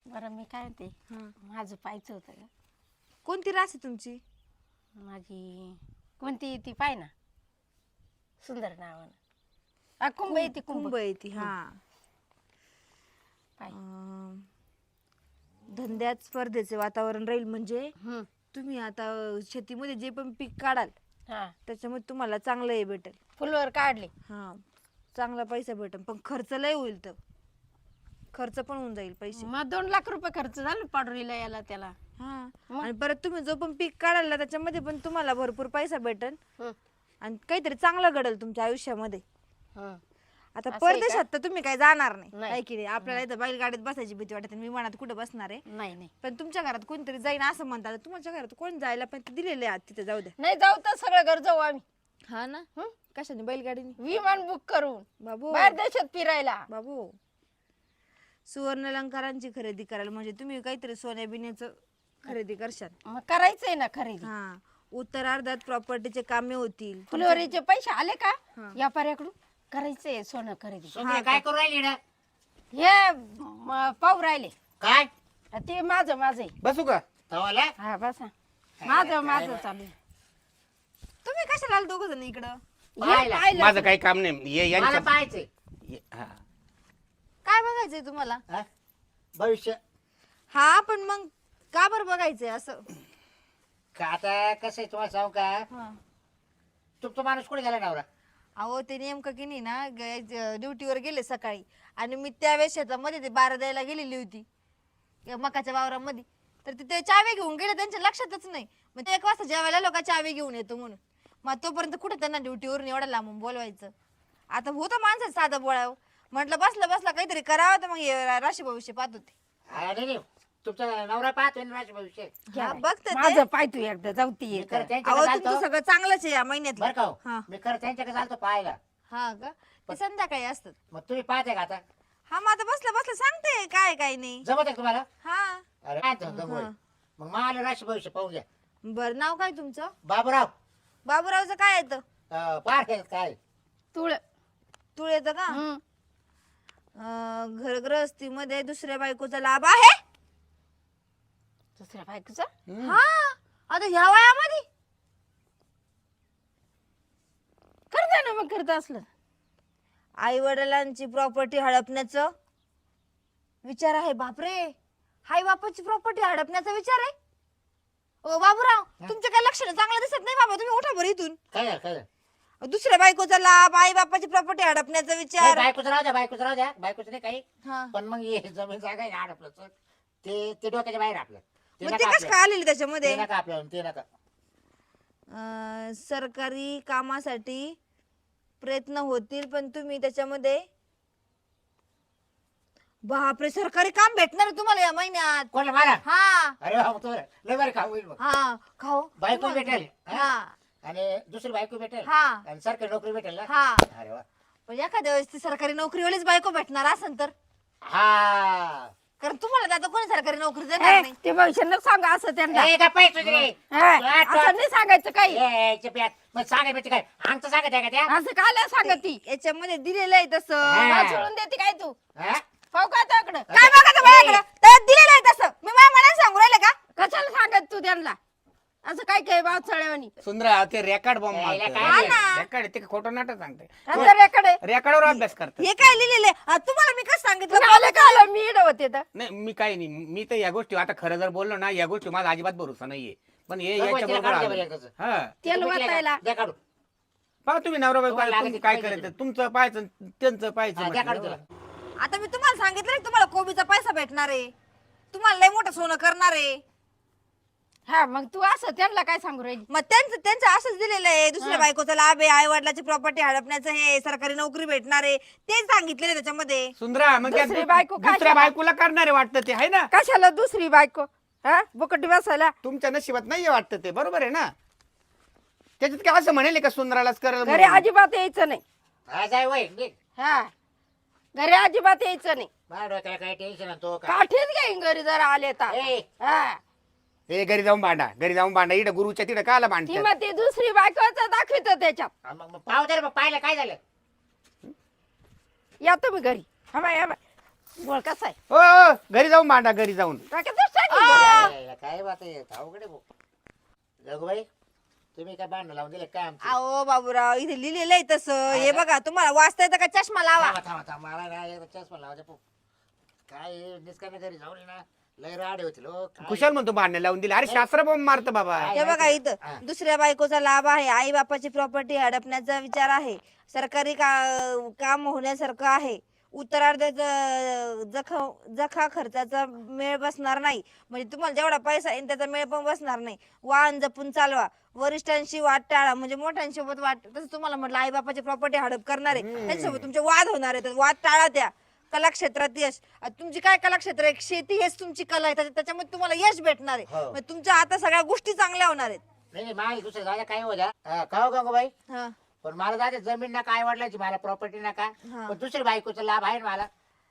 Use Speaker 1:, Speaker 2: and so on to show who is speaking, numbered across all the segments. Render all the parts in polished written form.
Speaker 1: बरं मी काय म्हणते
Speaker 2: हा.
Speaker 1: माझं पाहायचं होतं का
Speaker 2: कोणती रास आहे तुमची?
Speaker 1: माझी कोणती ती पाय ना सुंदर नावानं कुंभ येते
Speaker 2: कुंभ येते. हा.
Speaker 1: पाय
Speaker 2: धंद्यात स्पर्धेचे वातावरण राहील म्हणजे
Speaker 1: हम्म.
Speaker 2: तुम्ही आता शेतीमध्ये जे पण पीक काढाल
Speaker 1: हा
Speaker 2: त्याच्यामध्ये तुम्हाला चांगलं हे भेटेल.
Speaker 1: फुलवर काढले
Speaker 2: हा, चांगला पैसा भेटेल, पण खर्च लय होईल. तर खर्च पण होऊन जाईल पैसे.
Speaker 1: मग 2 लाख रुपये खर्च झाला पाडरीला याला त्याला.
Speaker 2: हा,
Speaker 1: मग?
Speaker 2: आणि परत तुम्ही जो पण पीक काढाल ना त्याच्यामध्ये पण तुम्हाला भरपूर पैसा भेटेल
Speaker 1: हम्म.
Speaker 2: आणि काहीतरी चांगलं घडेल तुमच्या आयुष्यामध्ये.
Speaker 1: हम्म.
Speaker 2: आता
Speaker 1: असं आहे का?
Speaker 2: परदेशात तर तुम्ही काही जाणार नाही,
Speaker 1: नाही.
Speaker 2: आहे की नाही? आपल्याला इथं बैलगाडीत बसायची भीती वाटते, मी मनात कुठं बसणार आहे.
Speaker 1: नाही नाही
Speaker 2: पण तुमच्या घरात कोणतरी जाईन असं म्हणतात, तुमच्या घरात कोण जायला पण ते दिलेले आहात तिथे, जाऊ द्या.
Speaker 1: नाही जाऊ तर सगळं घर जाऊ आम्ही.
Speaker 2: हा ना.
Speaker 1: हं?
Speaker 2: कशाने? बैलगाडीने.
Speaker 1: विमान बुक करून
Speaker 2: बाबू
Speaker 1: बाहेर देशात फिरायला.
Speaker 2: बाबू, सुवर्ण अलंकारांची खरेदी करायला म्हणजे तुम्ही काहीतरी सोन्या बिन्याचं खरेदी करशाल.
Speaker 1: मग करायचंय ना खरेदी.
Speaker 2: हा, उत्तरार्धात प्रॉपर्टीचे कामे होतील.
Speaker 1: फुलवरीचे पैसे आले का
Speaker 2: हा.
Speaker 1: व्यापाऱ्याकडून करायचंय सोनं खरेदी.
Speaker 3: सोन्या काय करू राहिली ना?
Speaker 1: हे पाहू राहिले
Speaker 3: काय
Speaker 1: ते माझं आहे.
Speaker 3: बसू का तवाला?
Speaker 1: हा बसा माझं चालू आहे.
Speaker 2: तुम्ही कशाला आले दोघ जण इकडं?
Speaker 1: हे
Speaker 3: पाहिलं.
Speaker 1: पाहिलं.
Speaker 4: माझं काही काम नाही.
Speaker 3: मला पाहायचंय
Speaker 4: हा.
Speaker 2: काय बघायचंय तुम्हाला?
Speaker 3: हा? भविष्य
Speaker 2: हा, पण मग का बरं बघायचंय असं?
Speaker 3: का आता कसं आहे तुम्हाला सांगू का?
Speaker 2: हा.
Speaker 3: तुमचा माणूस कुठे गेला नवरा?
Speaker 2: अहो, ते नेमकं की नाही ना ड्युटीवर गेले सकाळी, आणि मी त्यावेळेस शेतामध्ये ते बारा द्यायला गेलेली होती या मकाच्या वावरामध्ये, तर ते चावी घेऊन गेले, त्यांच्या लक्षातच नाही. मग ते 1 वाजता जेवायला लोक चावी घेऊन येतो म्हणून, मग तोपर्यंत कुठे त्यांना ड्युटीवरून एवढा लांबून बोलवायचं. आता होतं माणसाचं साधं बोळाव, म्हटलं बसला काहीतरी करावं, तर मग हे राशी भविष्य पाहत होते.
Speaker 3: अरे नाही, तुमचा नवरा पाहतोय ना माझ्या भविष्य.
Speaker 2: हा, बघते ते.
Speaker 1: माझं पाय तू एकदा जाऊ ती
Speaker 3: मी खरं
Speaker 2: अहो,
Speaker 3: त्यांच्याकडे
Speaker 2: तुमचं
Speaker 3: चालतो
Speaker 2: सगळं चांगलंच आहे या
Speaker 3: बरं
Speaker 2: महिन्यात.
Speaker 3: का हो?
Speaker 2: हा.
Speaker 3: मी खरं त्यांच्याकडे चालतो पाहायला.
Speaker 2: हा का? ते संध्याकाळी असतात.
Speaker 3: मग तुम्ही पाहते का आता?
Speaker 2: हा, मग आता बसलं सांगते काय नाही.
Speaker 3: जमत आहे का तुम्हाला?
Speaker 2: हा.
Speaker 3: अरे काय म्हणतो होय. मग मला राशी भविष्य पाहून घ्या.
Speaker 2: बर, नाव काय तुमचं?
Speaker 3: बाबूराव.
Speaker 2: बाबूरावचं काय येतं?
Speaker 3: पार केलं काय?
Speaker 1: तुळ
Speaker 2: तुळ येतं का?
Speaker 1: हम्म.
Speaker 2: घरगृहस्थीमध्ये दुसऱ्या बायकोचा लाभ आहे.
Speaker 1: दुसऱ्या बायकोचा
Speaker 2: हा, आता ह्या वयामध्ये
Speaker 1: करता ना, मग करत असलं
Speaker 2: आई वडिलांची प्रॉपर्टी हडपण्याचं विचार आहे. बापरे, आई बापाची प्रॉपर्टी हडपण्याचा विचार आहे. ओ बाबूराव, तुमच्या काय लक्षण चांगलं दिसत नाही बाबा, तुम्ही उठा बरं इथून.
Speaker 3: काय झालं? काय झालं?
Speaker 2: दुसऱ्या बायकोचा लाभ, आई बापाची प्रॉपर्टी हडपण्याचा
Speaker 3: नाही,
Speaker 2: विचार.
Speaker 3: बायकोचं राहू द्या, बायकोचं राहू द्या, बायकोचं नाही काही.
Speaker 2: हा.
Speaker 3: पण मग हे जमीन जागा आहे ना आपलं, ते डोक्याच्या बाहेर आपलं. ते
Speaker 2: मग
Speaker 3: नका
Speaker 2: ते कसं
Speaker 3: आपल्याला.
Speaker 2: काय आलेले त्याच्यामध्ये?
Speaker 3: ते नका आपल्याला, ते नका.
Speaker 2: सरकारी कामासाठी प्रयत्न होतील, पण तुम्ही त्याच्यामध्ये. बापरे, सरकारी काम भेटणार आहे तुम्हाला या महिन्यात?
Speaker 3: कोणाला मारा?
Speaker 2: हा.
Speaker 3: अरे बाबा, तो लय बरं खाऊ होईल मग.
Speaker 2: हा, खाऊ.
Speaker 3: बायको भेटेल हा?
Speaker 2: हा.
Speaker 3: आणि दुसरी बायको भेटेल
Speaker 2: हा.
Speaker 3: आणि सरकारी नोकरी भेटेल ना.
Speaker 2: हा.
Speaker 3: अरे वा.
Speaker 2: पण एखाद्या वेळेस ती सरकारी नोकरीवालीच बायको भेटणार असेल तर?
Speaker 3: हा.
Speaker 2: कारण तुम्हाला आता कोणी सरकारी नोकरी देणार नाही.
Speaker 1: ते भविष्य नको सांगा असं त्यांना.
Speaker 3: ए, गप्प आहे तुझी रे.
Speaker 1: असं नाही सांगायचं काही.
Speaker 3: ए, चुप यार. मग सांगाय भेटते काय? आमचं सांगत आहे का त्या?
Speaker 1: असं काल सांगत ती
Speaker 2: याच्यामध्ये दिलेलं आहे तसं.
Speaker 3: हा.
Speaker 1: मला सोडून देते काय तू?
Speaker 3: हा?
Speaker 1: पाहू का त्याकडं?
Speaker 2: काय बघायचं माझ्याकडं? त्यात दिलेलं आहे तसं. मी माझ्या मनाने सांगू राहिले का?
Speaker 1: कशाला सांगत तू त्यांना असं काय काय बावचळ्यावानी?
Speaker 4: सुंदरा ते रेकॉर्ड बॉम्ब
Speaker 3: यायला
Speaker 4: मारतोय.
Speaker 3: काय
Speaker 2: ना.
Speaker 4: रेकॉर्ड ते खोटं नाटक सांगते.
Speaker 1: त्याच्याकडे
Speaker 4: रेकॉर्डवर अभ्यास करतात.
Speaker 2: हे काय लिहिलेलं आहे? तुम्हाला मी कसं सांगितलं?
Speaker 1: आले का आलं मी इकडं होते तर.
Speaker 4: नाही, मी काही नाही. मी तर या गोष्टी आता खरं जर बोललो ना, या गोष्टी माझा अजिबात भरोसा नाहीये. पण हे
Speaker 3: बघ,
Speaker 4: याच्या
Speaker 3: तिला
Speaker 4: बरोबर
Speaker 3: काढून द्या
Speaker 4: आलं.
Speaker 3: बरं
Speaker 4: हा,
Speaker 1: तेल वाटायला
Speaker 3: द्या काढू.
Speaker 4: पहा तुम्ही नवरा बायको
Speaker 3: तुम्हाला
Speaker 4: तुम्ही
Speaker 3: लागत
Speaker 4: काय
Speaker 3: नाही
Speaker 4: करायचं,
Speaker 3: पाहिजे.
Speaker 4: तुमचं पाहायचं त्यांचं पाहायचं
Speaker 3: हा, द्या काढून
Speaker 4: म्हटलं.
Speaker 3: तुला.
Speaker 2: आता मी तुम्हाला सांगितलं ना, तुम्हाला कोबीचा पैसा भेटणार आहे, तुम्हाला लय मोठं सोनं करणार आहे.
Speaker 1: हा मग तू असं त्यांना काय सांगू राहिली?
Speaker 2: मग त्यांचं असंच दिलेलं आहे. दुसऱ्या बायकोचा लाभ आहे, आई वडिलाची प्रॉपर्टी हडपण्याचं, हे सरकारी नोकरी भेटणार आहे, तेच सांगितलेलं त्याच्यामध्ये.
Speaker 4: सुंदरा मग त्या
Speaker 1: दुसरी बायको काय
Speaker 4: दुसऱ्या
Speaker 1: करा?
Speaker 4: बायकोला करणारे वाटतं ते आहे ना.
Speaker 1: कशाला दुसरी बायको? हा बुकटी बसायला.
Speaker 4: तुमच्या नशिबात नाहीये वाटतं ते, बरोबर आहे ना. त्याच्यात काय असं म्हणेल का सुंदरालाच कर
Speaker 1: घरी अजिबात यायचं नाही.
Speaker 3: हा, जाय वय निघ.
Speaker 1: हा घरी अजिबात यायचं नाही.
Speaker 3: माझ्या डोक्याला काही टेन्शन आणतो का?
Speaker 1: काठीच घेईन घरी जर आले तर.
Speaker 3: ए,
Speaker 1: हा
Speaker 4: हे घरी जाऊन भांडा इकडे गुरुच्या तिकडे काला
Speaker 1: ती
Speaker 4: भांडतात.
Speaker 1: मग ती दुसरी बायकोच दाखवित त्याच्यात.
Speaker 3: मग पाहू दे रे, मग पाहिलं काय झालं?
Speaker 1: या तुम्ही घरी. हा बाय, हा बाय. गोळ कसा आहे
Speaker 4: हो घरी जाऊन भांडा घरी जाऊन.
Speaker 1: डोक्यातच टाकली.
Speaker 3: यायला काय बात आहे अवघड आहे भाऊ. गंगूबाई तुम्ही काय भांडण लावून दिले काय आमचे?
Speaker 2: अहो बाबूराव इथे लिहिलेलं आहे तसं. हे बघा तुम्हाला वाचता येतं का? चष्मा लावा.
Speaker 3: थांबा थांबा थांबा मला ना एकदा चष्मा लावायचा भाऊ. काय निष्कामी घरी जाऊन ये ना लय राडे होतील हो. काय?
Speaker 4: कुशाल म्हणतो भांडण लावून दिले. अरे शास्त्र बॉम्ब मारतं बाबा.
Speaker 2: हे बघा इथं दुसऱ्या बायकोचा लाभ आहे. आई बापाची प्रॉपर्टी हडपण्याचा विचार आहे. सरकारी काम होण्यासारखं आहे. उत्तरार्धात जखा खर्चाचा मेळ बसणार नाही. म्हणजे तुम्हाला जेवढा पैसा येईल त्याचा मेळ पण बसणार नाही. वाहन जपून चालवा. वरिष्ठांशी वाद टाळा. म्हणजे मोठ्यांसोबत वाद, तसं तुम्हाला म्हटलं आई बापाची प्रॉपर्टी हडप करणार आहे त्यांच्यासोबत तुमचे वाद होणार आहे. तर वाद टाळा. त्या कला क्षेत्रात यश. तुमची काय कला क्षेत्र आहे? शेती हेच तुमची कला आहे. त्याच्यामध्ये तुम्हाला यश भेटणार आहे.
Speaker 3: हो.
Speaker 2: म्हणजे तुमच्या आता सगळ्या गोष्टी चांगल्या होणार आहेत.
Speaker 3: नाही नाही मला दुसरं जागा काय हो द्या का हो गंगूबाई
Speaker 2: हा
Speaker 3: पण मला जाते जमीन नका आई वडिलांची मला प्रॉपर्टी नका पण दुसरी बायकोचा लाभ आहे ना मला.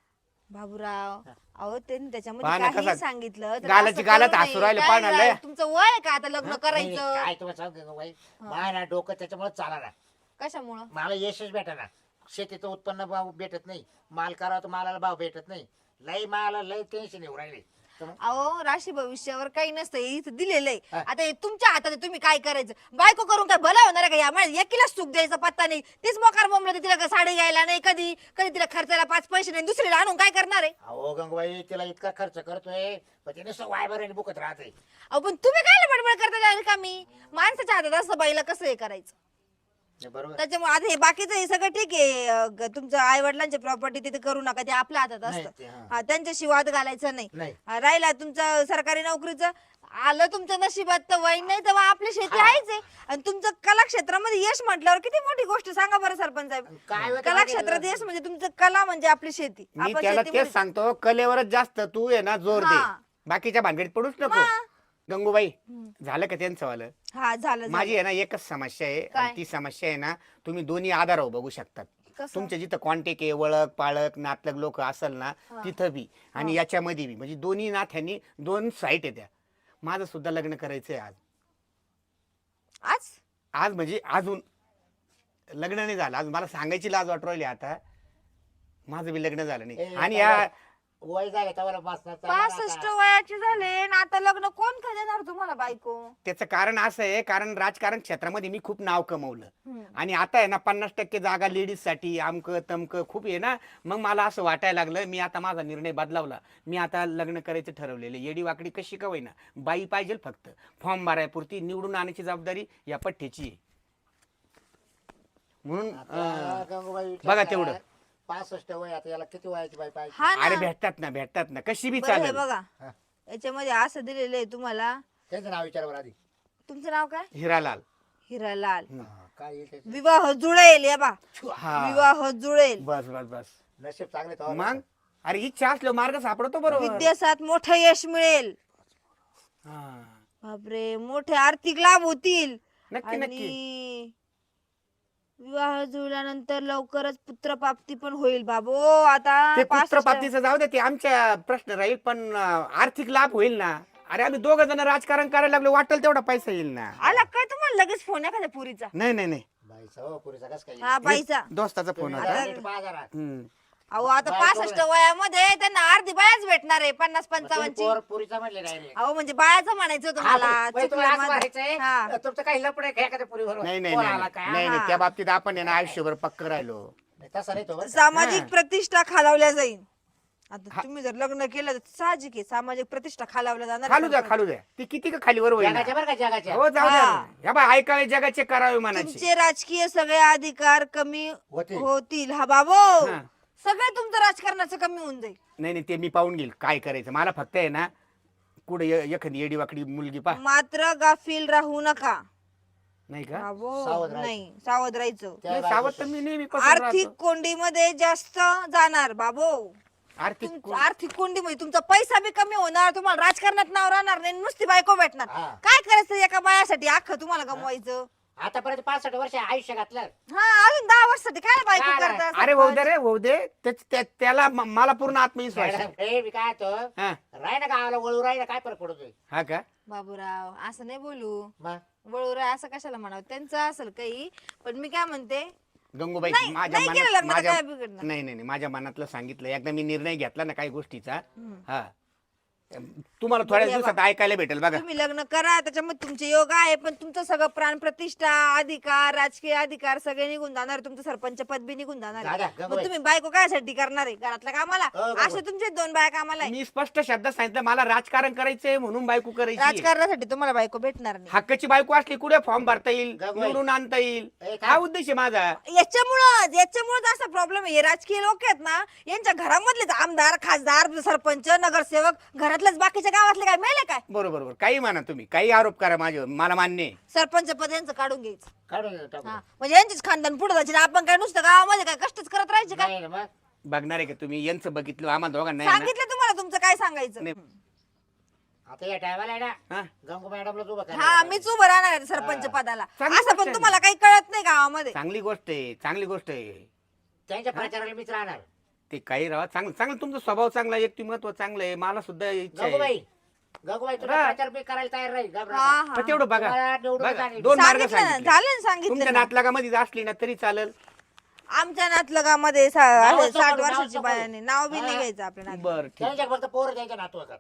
Speaker 2: बाबूराव अहो त्यांनी
Speaker 4: पहा
Speaker 2: त्याच्यामध्ये
Speaker 4: ना
Speaker 2: काही
Speaker 4: कसा
Speaker 2: सांगितलं तर
Speaker 4: गालाची
Speaker 2: असं
Speaker 4: गालात
Speaker 2: करू नये.
Speaker 4: हसू राहिले,
Speaker 2: काय
Speaker 4: पाहा ना, लय.
Speaker 2: तुमचं वय आहे का आता लग्न
Speaker 3: नाही,
Speaker 2: करायचं?
Speaker 3: काय तुम्हाला सांग गंगूबाई मला ना डोकं त्याच्यामुळे चाला ना
Speaker 2: कशामुळं?
Speaker 3: मला यशच भेटा ना शेतीचं उत्पन्न भाव भेटत नाही माल करावा तर मालाला भाव भेटत नाही लय मला लय टेन्शन येऊ राहिले. तर मग
Speaker 2: अहो राशी भविष्यावर काही नसतं. हे इथं दिलेलं आहे.
Speaker 3: हा.
Speaker 2: आता हे तुमच्या हातात आहे. तुम्ही काय करायचं? बायको करून काय भला होणार आहे का? या मला एकीला सुख द्यायचा पत्ता नाही. तीच मोकार बोंबलं तिला का साडी घ्यायला नाही कधी कधी तिला खर्चाला 5 पैसे नाही. दुसरीला आणून काय करणार आहे?
Speaker 3: अहो गंगूबाई तिला इतका खर्च करतोय पण तिने वायबर आणि बुकत राहते.
Speaker 2: अहो पण तुम्ही काय बडबड करता जाईल का? मी माणसाच्या हातात असं बाईला कसं हे करायचं?
Speaker 3: बरोबर
Speaker 2: त्याच्यामुळे आता हे बाकीचं हे सगळं ठीक आहे. तुमचं आई वडिलांची प्रॉपर्टी तिथे करू नका. ते आपल्या हातात
Speaker 3: नाही,
Speaker 2: असतं.
Speaker 3: ते हा.
Speaker 2: हा, त्यांच्याशी वाद घालायचा नाही.
Speaker 3: नाही.
Speaker 2: राहिला तुमचं सरकारी नोकरीचं आलं तुमच्या नशिबात तर वय नाही तेव्हा आपली शेती आहेच आहे. आणि तुमचं कला क्षेत्रामध्ये यश म्हटल्यावर किती मोठी गोष्ट सांगा बरं सरपंच साहेब.
Speaker 3: काय होतं
Speaker 2: कला
Speaker 3: माहिती
Speaker 2: क्षेत्रात
Speaker 3: आहे
Speaker 2: यश म्हणजे तुमचं कला म्हणजे आपली शेती.
Speaker 4: मी
Speaker 2: आपण
Speaker 4: त्याला
Speaker 2: शेतीमध्ये-
Speaker 4: तेच सांगतो कलेवरच जास्त तू आहे ना जोर दे.
Speaker 2: हा.
Speaker 4: बाकीच्या भानगडीत पडूच नको. गंगूबाई झालं का त्यांचं वालं?
Speaker 2: हा झालं
Speaker 4: माझी आहे ना एकच समस्या आहे
Speaker 2: काय?
Speaker 4: आणि ती समस्या आहे ना तुम्ही दोन्ही आधारावर बघू शकतात.
Speaker 2: कसं?
Speaker 4: तुमच्या जिथं कॉन्टॅक्ट आहे ओळख पाळक नातलग लोक असेल ना तिथं बी आणि याच्यामध्ये बी म्हणजे दोन्ही नाथ्यांनी 2 साईट आहे त्या. माझं सुद्धा लग्न करायचंय आज.
Speaker 2: आज
Speaker 4: आज म्हणजे अजून लग्न नाही झालं. आज मला सांगायची लाज वाटू राहिली आता. माझं बी लग्न झालं नाही आणि या
Speaker 3: वय झालं तेव्हा बसणार
Speaker 2: 65 वयाचे झाले आणि आता लग्न कोण का देणार तुम्हाला बायको?
Speaker 4: त्याचं कारण असं आहे कारण राजकारण क्षेत्रामध्ये मी खूप नाव कमवलं आणि आता आहे ना 50% जागा लेडीज साठी आमक तमक खूप आहे ना. मग मला असं वाटायला लागलं मी आता माझा निर्णय बदलावला. मी आता लग्न करायचं ठरवलेलं. येडी वाकडी कशी का होईना बाई पाहिजे फक्त फॉर्म भरायपुरती निवडून आणण्याची जबाबदारी या पठ्ठ्याची आहे. म्हणून
Speaker 3: गंगूबाई
Speaker 4: बघा तेवढं.
Speaker 3: 65 वय आता याला किती वयाची बाई पाहिजे?
Speaker 2: हा
Speaker 4: अरे
Speaker 2: ना.
Speaker 4: भेटतात ना कशी बी
Speaker 2: बरं हे
Speaker 4: चालेल.
Speaker 2: बघा
Speaker 3: हा.
Speaker 2: याच्यामध्ये असं दिलेलं आहे तुम्हाला.
Speaker 3: त्यांचं नाव विचारावर आधी
Speaker 2: तुमचं नाव काय?
Speaker 4: हिरालाल.
Speaker 2: हिरालाल.
Speaker 3: काय येईल त्याचं?
Speaker 2: विवाह जुळेल. या बा
Speaker 4: हा
Speaker 2: विवाह जुळेल.
Speaker 4: बस बस बस
Speaker 3: नशीब चांगले तेव्हा
Speaker 4: मग अरे इच्छा असलो मार्ग सापडतो बरोबर.
Speaker 2: विद्यासात मोठं यश मिळेल.
Speaker 4: हा.
Speaker 2: बापरे मोठे आर्थिक लाभ होतील.
Speaker 4: नक्की नक्की
Speaker 2: आणि विवाह जुळल्यानंतर लवकरच पुत्रप्राप्ती पण होईल बाबो. आता
Speaker 4: ते
Speaker 2: 65
Speaker 4: पुत्रप्राप्तीचं जाऊ दे ते आमच्या प्रश्न राहील पण आर्थिक लाभ होईल ना. अरे आम्ही 2 जण राजकारण करायला लागलो वाटेल तेवढा पैसा येईल ना.
Speaker 2: आला काय तुम्हाला लगेच फोन एखाद्या पुरीचा?
Speaker 4: नाही नाही नाही
Speaker 3: बाईचा हो पुरीचा कस काय
Speaker 2: हा बाईचा.
Speaker 4: दोस्ताचा फोन
Speaker 3: तुम्ही
Speaker 4: होता.
Speaker 3: जरा नीट पाहा जरा.
Speaker 4: हम्म.
Speaker 2: अहो आता
Speaker 3: बायको
Speaker 2: 65 वयामध्ये त्यांना अर्धी बायाच भेटणार आहे. 50-55 ची.
Speaker 3: पुरीचा म्हणले नाही
Speaker 2: अहो म्हणजे बायाचं म्हणायचं तुम्हाला. चुकलं माझं. हा.
Speaker 3: तुमचं काही लपड आहे एखाद्या पुरीवर
Speaker 4: नाही नाही
Speaker 3: कोण
Speaker 4: नाही
Speaker 3: आला काय
Speaker 4: नाही नाही त्या बाबतीत आपण आहे ना आयुष्यभर पक्क राहिलो.
Speaker 3: नाही, तसं नाही तो बरं का.
Speaker 2: सामाजिक प्रतिष्ठा खालावल्या जाईल. आता तुम्ही जर लग्न केलं तर साहजिक आहे सामाजिक प्रतिष्ठा खालावल्या जाणार.
Speaker 4: खालू द्या ती किती का खालीवर होईल ना.
Speaker 3: जगाच्या बरं का जगाच्या
Speaker 4: हो जाऊ द्या
Speaker 2: हा.
Speaker 4: या बाय ऐकावे जगाचे करावे म्हणायचे.
Speaker 2: तुमचे राजकीय सगळे अधिकार कमी
Speaker 3: होतील.
Speaker 2: होतील. हा बाबो
Speaker 4: हा.
Speaker 2: सगळं तुमचं राजकारणाचं कमी होऊन जाईल.
Speaker 4: नाही नाही ते मी पाहून घेईल काय करायचं. मला फक्त आहे ना कुठे एखादी येडी वाकडी मुलगी पा
Speaker 2: मात्र गाफील राहू नका.
Speaker 4: नाही का
Speaker 2: बाबो
Speaker 3: सावध राहायचं.
Speaker 2: नाही सावध राहायचं.
Speaker 3: त्या
Speaker 4: नाही, सावध तर मी नेहमी
Speaker 2: आर्थिक कोंडीमध्ये जास्त जाणार बाबो.
Speaker 4: आर्थिक
Speaker 2: आर्थिक कोंडीमध्ये तुमचा पैसा बी कमी होणार. तुम्हाला राजकारणात नाव राहणार नाही. नुसती बायको भेटणार.
Speaker 3: हा.
Speaker 2: काय करायचं एका बायासाठी अख्खं तुम्हाला गमवायचं?
Speaker 3: आतापर्यंत 65 वर्ष आयुष्य घातलं
Speaker 2: हा अजून 10 वर्षासाठी काय बायको
Speaker 3: काय?
Speaker 2: करतात?
Speaker 4: अरे होऊ दे रे होऊ दे त्याला मला पूर्ण आत्मविश्वास आहे.
Speaker 3: हे मी काय तो
Speaker 4: हा
Speaker 3: राय ना गावाला वळू राय ना काय फरक पडतोय
Speaker 4: हा का
Speaker 2: बाबूराव असं नाही बोलू.
Speaker 3: मग
Speaker 2: वळूरा असं कशाला म्हणावं त्यांचं असेल काही. पण मी काय म्हणते
Speaker 4: गंगूबाई
Speaker 2: नाही,
Speaker 4: माझ्या
Speaker 2: नाही केलं लग्न तर
Speaker 4: माझ्या
Speaker 2: काय बिघडणार?
Speaker 4: नाही नाही नाही, माझ्या मनातलं सांगितलं एकदा मी निर्णय घेतला ना काही गोष्टीचा हा तुम्हाला थोड्या
Speaker 2: बरं,
Speaker 4: दिवसात ऐकायला भेटेल बघा.
Speaker 2: तुम्ही लग्न करा त्याच्यामध्ये तुमचे योग आहे पण तुमचं सगळं प्राण प्रतिष्ठा अधिकार राजकीय अधिकार सगळे निघून जाणार तुमचं सरपंच पद बी निघून जाणार आहे.
Speaker 3: दादा,
Speaker 2: मग
Speaker 3: गंगूबाई.
Speaker 2: तुम्ही बायको कायसाठी करणार आहे घरातल्या कामाला
Speaker 3: गंगूबाई.
Speaker 2: असे तुमचे 2 बाया कामाला आहे.
Speaker 4: मी स्पष्ट शब्दात सांगितलं मला राजकारण करायचंय म्हणून बायको करायची.
Speaker 2: राजकारणासाठी तुम्हाला बायको भेटणार नाही.
Speaker 4: हक्काची बायको असली कुठे फॉर्म भरता येईल
Speaker 3: गंगूबाई.
Speaker 4: निवडून आणता येईल
Speaker 3: ए, काय?
Speaker 4: हा उद्देश आहे माझा.
Speaker 2: याच्यामुळेच असा प्रॉब्लेम आहे. हे राजकीय लोक आहेत ना यांच्या घरामधलेच आमदार खासदार सरपंच नगरसेवक घरातल्याच बाकीच्या गावातले काय मेले काय
Speaker 4: बरोबर बरोबर काही म्हणा तुम्ही काही आरोप करा माझ्यावर मला मान्य आहे.
Speaker 2: सरपंच पद यांचं काढून घ्यायचं.
Speaker 3: काढून टाकू.
Speaker 2: हा, म्हणजे यांचीच खानदान पुढे जायची ना. आपण काय नुसतं गावामध्ये काय कष्टच करत राहायचे काय?
Speaker 3: नाही ना मग
Speaker 4: बघणार आहे का तुम्ही यांचं बघितलं आम्हाला दोघांना आहे ना?
Speaker 2: सांगितलं तुम्हाला तुमचं काय सांगायचं.
Speaker 4: नाही.
Speaker 3: आता या टायमाला आहे ना
Speaker 4: हा?
Speaker 3: गंगू मॅडमला उभं करा.
Speaker 2: हा मीच उभं राहणार आहे सरपंच पदाला.
Speaker 4: चांगली
Speaker 2: असं
Speaker 4: गोष्ट
Speaker 2: पण
Speaker 4: आहे
Speaker 2: तुम्हाला काही कळत नाही गावामध्ये.
Speaker 4: चांगली गोष्ट आहे चांगली गोष्ट आहे.
Speaker 3: त्यांच्या प्रचाराला मीच राहणार.
Speaker 4: ते काही राहा चांगलं चांगलं तुमचा स्वभाव चांगला आहे, व्यक्तिमत्व चांगलं आहे मला सुद्धा इच्छा आहे.
Speaker 3: गंगूबाई गंगूबाई तुला
Speaker 4: रा-
Speaker 3: प्रचार मी करायला तयार राहील घाबरू
Speaker 2: हा,
Speaker 3: नका.
Speaker 2: हा.
Speaker 4: पण तेवढं बघा
Speaker 3: तुम्हाला निवडून
Speaker 4: बघा,
Speaker 3: आणेल.
Speaker 4: दोन मार्ग
Speaker 2: सांगितलं ना,
Speaker 4: सांगितले.
Speaker 2: झालं ना,
Speaker 4: तुमच्या
Speaker 2: सांगितलं ना.
Speaker 4: नातलागामध्ये असली ना तरी चालेल.
Speaker 2: आमच्या नातलगामध्ये
Speaker 3: नाव
Speaker 2: 60
Speaker 3: सांगू,
Speaker 2: वर्षाची
Speaker 3: नाव
Speaker 2: बायाने
Speaker 3: सांगू.
Speaker 2: नाव बी नाही
Speaker 3: हा.
Speaker 2: घ्यायचं आपल्या नातू.
Speaker 4: बर ठीक
Speaker 3: त्यांच्या फक्त पोरं त्यांच्या नातू होतात.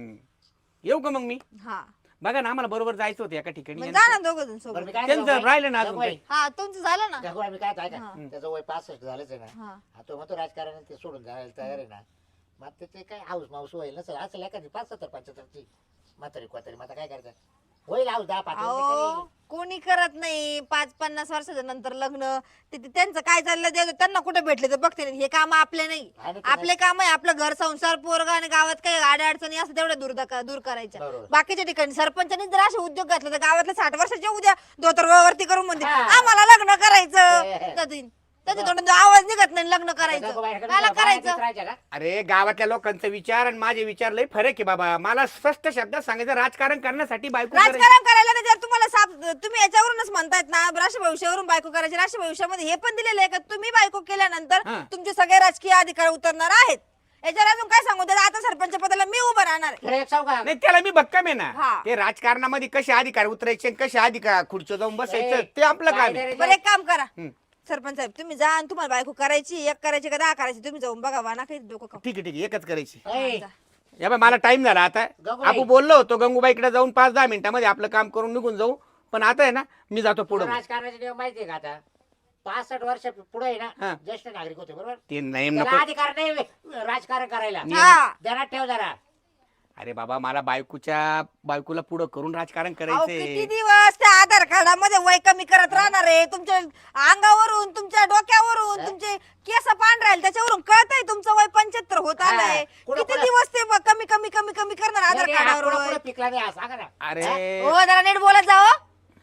Speaker 4: येऊ का मग मी
Speaker 2: हा
Speaker 4: बघा ना आम्हाला बरोबर जायचं होतं एका ठिकाणी
Speaker 2: मग जा ना दोघं जण
Speaker 3: बरं
Speaker 2: सोबत.
Speaker 3: मी काय
Speaker 4: त्यांचं
Speaker 3: गंगूबाई?
Speaker 4: राहिलं ना अजून
Speaker 3: गंगूबाई,
Speaker 4: काही.
Speaker 2: हा तुमचं झालं ना.
Speaker 3: गंगूबाई मी काय आहे
Speaker 2: हा.
Speaker 3: का त्याचं वय 65 झालंच आहे ना.
Speaker 2: हा.
Speaker 3: हा, तो म्हणतो राजकारण ते सोडून जायला तयार आहे ना. मग ते काय हाऊस माऊस होईल नसेल असेल एखादी 75-75ची म्हातारी कोतारी मग आता काय करायचं होईल हाऊस 10-5
Speaker 2: अहो कोणी करत नाही 5-50 वर्षाच्या नंतर लग्न. ते त्यांचं काय चाललं ते त्यांना कुठे भेटले तर बघते नाही. हे काम आपले नाही.
Speaker 3: आणि ते
Speaker 2: आपले काम आहे आपलं घर संसार पोरगा आणि गावात काही गाड्या अडचणी असं तेवढ्या दूर करायच्या.
Speaker 3: बरोबर.
Speaker 2: बाकीच्या ठिकाणी सरपंचांनी जर असे उद्योग घातले तर गावातले 60 वर्षाचे उद्या धोतर वरती करून म्हणते
Speaker 3: हा.
Speaker 2: आम्हाला लग्न करायचं. त्याच्या तोंडातून आवाज निघत नाही लग्न करायचं. मला करायचं.
Speaker 3: राहायचं का
Speaker 4: अरे गावातल्या लोकांचा विचार आणि माझे विचार लय फरक आहे बाबा. मला स्पष्ट शब्दात सांगायचं राजकारण करण्यासाठी बायको करायची.
Speaker 2: राजकारण करायला नाही जर तुम्हाला तुम्ही याच्यावरूनच म्हणतायत ना राष्ट्र भविष्यावरून बायको करायची. राष्ट्र भविष्यामध्ये हे पण दिलेलं आहे का तुम्ही बायको केल्यानंतर
Speaker 4: हा.
Speaker 2: तुमचे सगळे राजकीय अधिकार उतरणार आहेत. याच्यावर अजून काय सांगू त्याला आता सरपंच पदाला मी उभं राहणार आहे.
Speaker 3: तुला एक सांगू का
Speaker 4: नाही त्याला मी भक्कम आहे ना.
Speaker 2: हा.
Speaker 4: ते राजकारणामध्ये कसे अधिकार उतरायचे आणि कसे अधिकार खुर्ची जाऊन बसायचं
Speaker 3: ए,
Speaker 4: ते आपलं काम आहे.
Speaker 2: बरं एक काम करा
Speaker 4: हम्म.
Speaker 2: सरपंच साहेब तुम्ही जा आणि तुम्हाला बायको करायची एक करायची का 10 करायची तुम्ही जाऊन बघा वाना काही डोकं खाऊ.
Speaker 4: ठीक आहे ठीक आहे एकच करायची.
Speaker 3: ए,
Speaker 4: या बाई मला टाइम झाला आता.
Speaker 3: गंगूबाई.
Speaker 4: आपण बोललो होतो गंगूबाईकडे जाऊन 5-10 मिनिटांमध्ये आपलं काम करून निघून जाऊ. पण आता आहे ना मी जातो पुढे.
Speaker 3: राजकारणाचे नियम माहितीये का आता 65 वर्ष पुढे
Speaker 4: हा.
Speaker 3: ना ज्येष्ठ नागरिक होते बरोबर
Speaker 4: ते नाही
Speaker 3: त्याला
Speaker 4: नको.
Speaker 3: अधिकार नाही राजकारण करायला
Speaker 2: हा.
Speaker 3: ध्यानात ठेव जरा.
Speaker 4: अरे बाबा मला बायकोला पुढं करून राजकारण
Speaker 2: अहो, किती
Speaker 4: करायचंय.
Speaker 2: दिवस त्या आधार कार्डामध्ये वय कमी करत राहणार आहे. तुमच्या अंगावरून तुमच्या डोक्यावरून तुमचे केस पांढरे राहील त्याच्यावरून कळतंय तुमचं वय 75 होत आलंय.
Speaker 3: हा. कुठं-
Speaker 2: किती
Speaker 3: कुठं-
Speaker 2: दिवस ते कमी कमी कमी कमी करणार आधार
Speaker 3: नाही, हा
Speaker 2: कार्डावर
Speaker 3: पुढं-
Speaker 2: वय?
Speaker 3: पुढं पिकला नाही हा, सांगा ना.
Speaker 4: अरे
Speaker 2: हो जरा नीट बोलत जावं.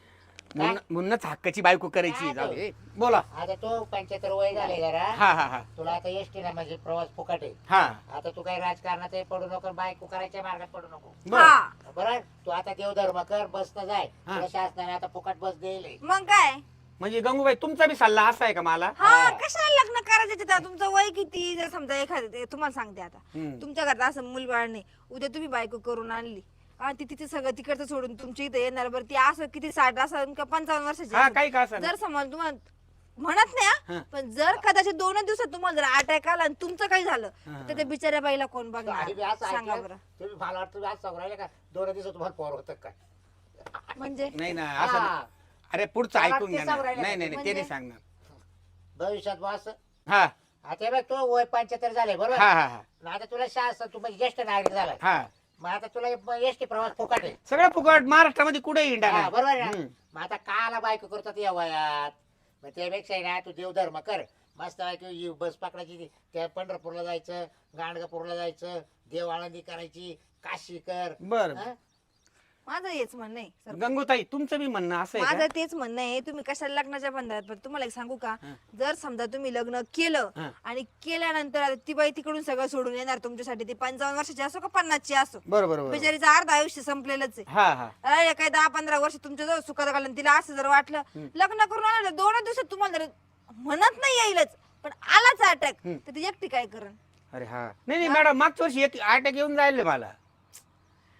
Speaker 4: म्हणूनच हक्काची बायको करायची. जाऊ दे. बोला.
Speaker 3: आता तो 75 वय झाले जरा
Speaker 4: हा हा हा
Speaker 3: तुला आता एसटी ना म्हणजे प्रवास फुकट आहे.
Speaker 4: हा
Speaker 3: आता तू काही राजकारणात पडू नको बायको करायच्या मार्गात पडू नको
Speaker 4: बर
Speaker 2: हा
Speaker 3: बरोबर. तू आता देवधर्म कर बस न जाय
Speaker 4: हा.
Speaker 3: तुला शासनाने आता फुकट बस देईल.
Speaker 2: मग काय
Speaker 4: म्हणजे गंगूबाई तुमचा बी सल्ला असा आहे का मला?
Speaker 2: हा कशाला लग्न करायचं तिथं? तुमचं वय किती जर समजा एखादं तुम्हाला सांगते आता
Speaker 4: हम्म.
Speaker 2: तुमच्या घरात असं मूलबाळ नाही उद्या तुम्ही बायको करून आणली आणि ती तिथे सगळं तिकडचं सोडून तुमच्या इथे येणार बरं ती असं किती 60 असं का 55 वर्षाची
Speaker 4: हा
Speaker 2: असेल.
Speaker 4: काही का असं
Speaker 2: जर समज तुम्हाला म्हणत नाही
Speaker 4: हा.
Speaker 2: हा, पण जर कदाचित 2 दिवसात तुम्हाला जर अटॅक आला आणि तुमचं काही झालं
Speaker 4: हा.
Speaker 2: तर त्या बिचाऱ्या बाईला कोण
Speaker 3: आणि
Speaker 2: बघणार
Speaker 3: मी असं
Speaker 2: सांगा
Speaker 3: ऐकलं,
Speaker 2: बरं.
Speaker 3: तुम्ही मला वाटतं तुम्ही आज सांगू राहिले का 2 दिवसात तुम्हाला पोर होतं काय
Speaker 2: म्हणजे
Speaker 4: नाही ना असं
Speaker 3: हा.
Speaker 4: नाही. अरे पुढचं
Speaker 3: मला
Speaker 4: ऐकून
Speaker 3: ते
Speaker 4: घ्या ना.
Speaker 3: सांगू राहिले
Speaker 4: नाही नाही नाही, ते
Speaker 2: म्हणजे?
Speaker 4: नाही सांगणार.
Speaker 3: भविष्यात बस
Speaker 4: हा
Speaker 3: आता बघ तो वय 75 झाले बरोबर.
Speaker 4: हा हा हा
Speaker 3: मग आता तुला शासन तू म्हणजे ज्येष्ठ नागरिक झाला
Speaker 4: हा
Speaker 3: मग आता तुला एसटी प्रवास फुकट आहे.
Speaker 4: सगळं फुकट महाराष्ट्रामध्ये कुठे इंडा
Speaker 3: हा,
Speaker 4: नाही.
Speaker 3: बरोबर आहे ना.
Speaker 4: हम्म.
Speaker 3: मग आता काला बायको करतात या वयात मग त्यापेक्षा आहे ना तू देवधर्म कर मस्त बायको बस पकडायची त्या पंढरपूरला जायचं गाणगापूरला जायचं देव आळंदी करायची काशी कर.
Speaker 4: बर
Speaker 3: हा?
Speaker 2: माझं हेच म्हणणं आहे सर.
Speaker 4: गंगूताई तुमचं बी म्हणणं असं आहे
Speaker 2: माझं
Speaker 4: का?
Speaker 2: तेच म्हणणं आहे तुम्ही कशाला लग्नाच्या बंधनात पण तुम्हाला एक सांगू का
Speaker 4: हा.
Speaker 2: जर समजा तुम्ही लग्न केलं
Speaker 4: हा.
Speaker 2: आणि केल्यानंतर आता ती बाई तिकडून सगळं सोडून येणार तुमच्यासाठी ती 55 वर्षाची असो का 50ची असो
Speaker 4: बरोबर बरोबर.
Speaker 2: बिचारीचं अर्ध आयुष्य संपलेलंच आहे.
Speaker 4: हा हा
Speaker 2: अरे काही 10-15 वर्ष तुमच्या जवळ सुखात घालून तिला असं जर वाटलं लग्न करून आलं 2 दिवसात तुम्हाला जर म्हणत नाही येईलच पण आलाच अटॅक तर ती एकटी काय करण?
Speaker 4: अरे हा नाही नाही मॅडम मागच्या वर्षी एक अटॅक येऊन जायला मला.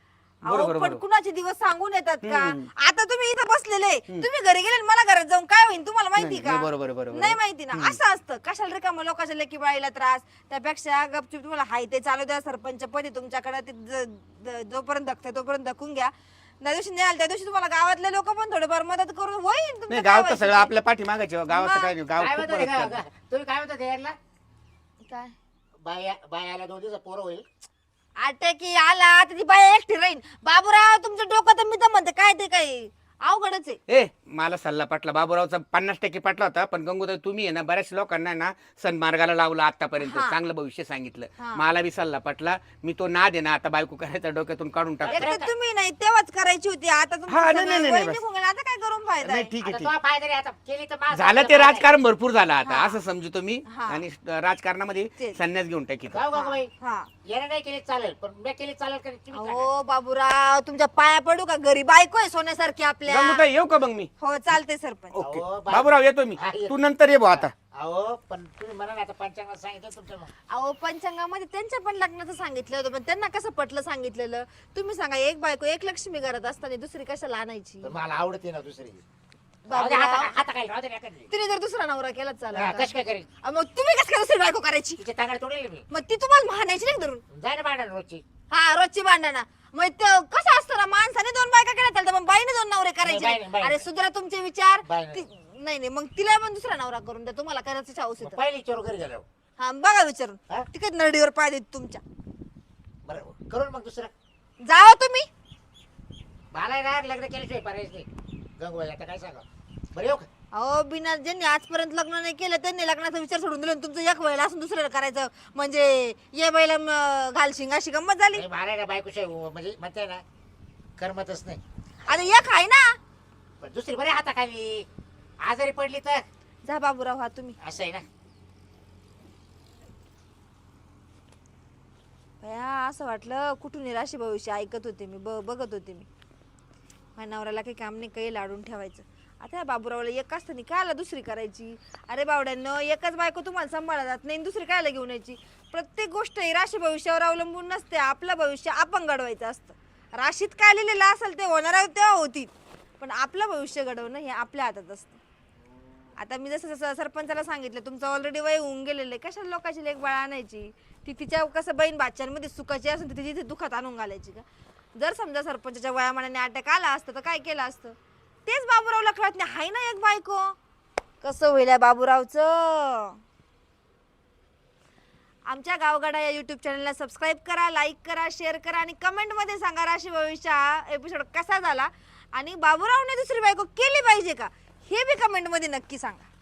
Speaker 2: अहो
Speaker 4: बरोबर,
Speaker 2: पण
Speaker 4: बरोबर.
Speaker 2: कुणाचे दिवस सांगून येतात का?
Speaker 4: हम्म.
Speaker 2: आता तुम्ही इथं बसलेले, तुम्ही घरी गेले आणि मला घरात जाऊन काय होईल तुम्हाला माहिती
Speaker 4: नाही,
Speaker 2: का?
Speaker 4: नाही, बरोबर, बरोबर.
Speaker 2: नाही माहिती ना, असं असतं. कशाला रिकामं लोकांच्या लेकी बाळीला त्रास, त्यापेक्षा गपचूप तुम्हाला हाय ते चालू द्या. सरपंच पदी तुमच्याकडे जोपर्यंत धकते तोपर्यंत धकून घ्या. त्या दिवशी नाही आलं त्या दिवशी तुम्हाला गावातले लोक पण थोडेफार मदत करून होईल तुमचं
Speaker 4: नाही
Speaker 2: काय
Speaker 4: गाव तर
Speaker 2: व्हायचं
Speaker 4: सगळं
Speaker 2: ते.
Speaker 4: आपल्या पाठी मागायचे गावाचं काय नाही गाव
Speaker 3: काय
Speaker 4: खूप
Speaker 3: म्हणतो
Speaker 4: मदत करतं.
Speaker 3: तुम्ही काय म्हणता यायला
Speaker 2: काय
Speaker 3: बायाला 2 दिवस पोरं होईल
Speaker 2: आटे की आला तर ती बाई एकटी राहीन. बाबूराव तुमचं डोकं तर मी तर म्हणते काय ते काय अवघडच आहे.
Speaker 4: ए मला सल्ला पटला बाबूरावचा 50% पटला होता पण गंगूताई तुम्ही आहे ना बऱ्याच लोकांना ना सन्मार्गाला लावलं आतापर्यंत
Speaker 2: हा.
Speaker 4: चांगलं भविष्य सांगितलं
Speaker 2: हा.
Speaker 4: मला बी सल्ला पटला मी तो नाद आहे ना आता बायको करायचा डोक्यातून काढून टाकतो
Speaker 2: एक तर तुम्ही नाही तेव्हाच करायची होती आता तुमचं
Speaker 4: हा, नाही,
Speaker 2: सगळं
Speaker 4: नाही,
Speaker 2: वय
Speaker 4: नाही,
Speaker 2: निघून गेलं. आता काय करून फायदा
Speaker 4: नाही
Speaker 2: आहे?
Speaker 4: ठीक आहे
Speaker 3: आता
Speaker 4: ठीक
Speaker 3: तो फायदा नाही आता केली तर माझं
Speaker 4: झालं ते
Speaker 3: फायदा
Speaker 4: राजकारण भरपूर झालं आता
Speaker 2: हा.
Speaker 4: असं समजतो मी
Speaker 2: हा.
Speaker 4: आणि राजकारणामध्ये
Speaker 2: तेच.
Speaker 4: संन्यास घेऊन टाकी
Speaker 3: गाव गाव बाई
Speaker 2: हा
Speaker 3: याने नाही केली चालेल पण मी केली चालेल का तुम्ही सांगा.
Speaker 2: हो बाबूराव तुमच्या पाया पडू का? घरी बायको आहे सोन्यासारखी आपल्या.
Speaker 4: गंगूताई येऊ का मग मी
Speaker 2: हो चालते सरपंच.
Speaker 4: ओके
Speaker 3: अहो,
Speaker 4: बाबूराव येतो मी
Speaker 3: हा, ये.
Speaker 4: तू नंतर ये भाऊ आता
Speaker 3: अहो पण तुम्ही म्हणा ना आता पंचांगात सांगितलं तुमच्या मग
Speaker 2: अहो पंचांगामध्ये त्यांच्या पण लग्नाचं सांगितलं होतं पण त्यांना कसं पटलं सांगितलेलं तुम्ही सांगा. एक बायको एक लक्ष्मी घरात असताना दुसरी कशाला आणायची?
Speaker 3: पण मला आवडते ना दुसरी
Speaker 2: बाबूराव,
Speaker 3: हाता काय राहू दे ना एखादी.
Speaker 2: तिने जर दुसरा नवरा केला
Speaker 3: हा,
Speaker 2: चालेल
Speaker 3: कशी काय करेल
Speaker 2: मग तुम्ही कसं काय दुसरी बायको करायची?
Speaker 3: तिचे तांगड तोडेल मी
Speaker 2: मग ती तुम्हाला म्हणायची नाही धरून.
Speaker 3: जाय ना भांडण रोजची
Speaker 2: हा रोजची भांडणं मग ते कसं असतं ना माणसाने 2 बायका केल्या चालतं पण बाईने 2 नवरे करायचे
Speaker 3: नाही,
Speaker 2: नाही.
Speaker 3: बाईने.
Speaker 2: अरे सुधरा तुमचे विचार.
Speaker 3: बाईने.
Speaker 2: नाही नाही मग तिला पण दुसरा नवरा करून द्या तुम्हाला करायचं हाऊस
Speaker 3: मग
Speaker 2: येतं.
Speaker 3: पहिली चोर घरी गेलो
Speaker 2: हा बघा विचारून
Speaker 3: हा?
Speaker 2: तिकडे नडीवर पाय देत तुमच्या.
Speaker 3: बरं करून मग दुसरं
Speaker 2: जावा तुम्ही.
Speaker 3: मला ना लग्न केल्याशिवाय पर्यायच नाही गंगूबाई आता काय सांगा बरं येऊ का
Speaker 2: अहो बिना ज्यांनी आजपर्यंत लग्न नाही केलं त्यांनी लग्नाचा विचार सोडून दिला आणि तुमचं एक वेळेला असून दुसऱ्याला करायचं म्हणजे ये बैला घाल शिंगाशी गंमत झाली.
Speaker 3: नाही, मला ना बायकोशिवाय म्हणजे म्हणते ना करमतच नाही
Speaker 2: आता एक आहे ना.
Speaker 3: पण दुसरी बरे हाताखाली आजारी पडली तर
Speaker 2: जा बाबूराव हा तुम्ही.
Speaker 3: असं आहे ना
Speaker 2: भया असं वाटलं कुठून राशी भविष्य ऐकत होते मी बघत होते मी. माझ्या नवऱ्याला काही काम नाही काही लाडून ठेवायचं. आता या बाबूरावला एक असताना कायला दुसरी करायची? अरे बावड्यांनो एकच बायको तुम्हाला सांभाळा जात नाही दुसरी कायला घेऊन यायची? प्रत्येक गोष्ट ही राशी भविष्यावर अवलंबून नसते. आपलं भविष्य आपण घडवायचं असतं. राशीत काय लिहिलेलं असेल ते होणार आहे तेव्हा होतील पण आपलं भविष्य घडवणं हे आपल्या हातात असतं. आता मी जसं सरपंचाला सांगितलं तुमचं ऑलरेडी वय होऊन गेलेलं आहे कशाला लोकांची लेक बाळ आणायची? ती तिच्या कसं बहीण बाच्यांमध्ये सुखाची असून ती तिथे दुखात आणून घालायची का? जर समजा सरपंचाच्या वयामानाने अटॅक आला असतं तर काय केलं असतं? तेच बाबूरावला कळत नाही. हाय ना एक बायको. कसं होईल या बाबूरावचं? आमच्या गावगाडा या युट्यूब चॅनलला सबस्क्राईब करा, लाईक करा, शेअर करा आणि कमेंट मध्ये सांगा राशी भविष्य हा एपिसोड कसा झाला आणि बाबूरावने दुसरी बायको केली पाहिजे का हे बी कमेंट मध्ये नक्की सांगा.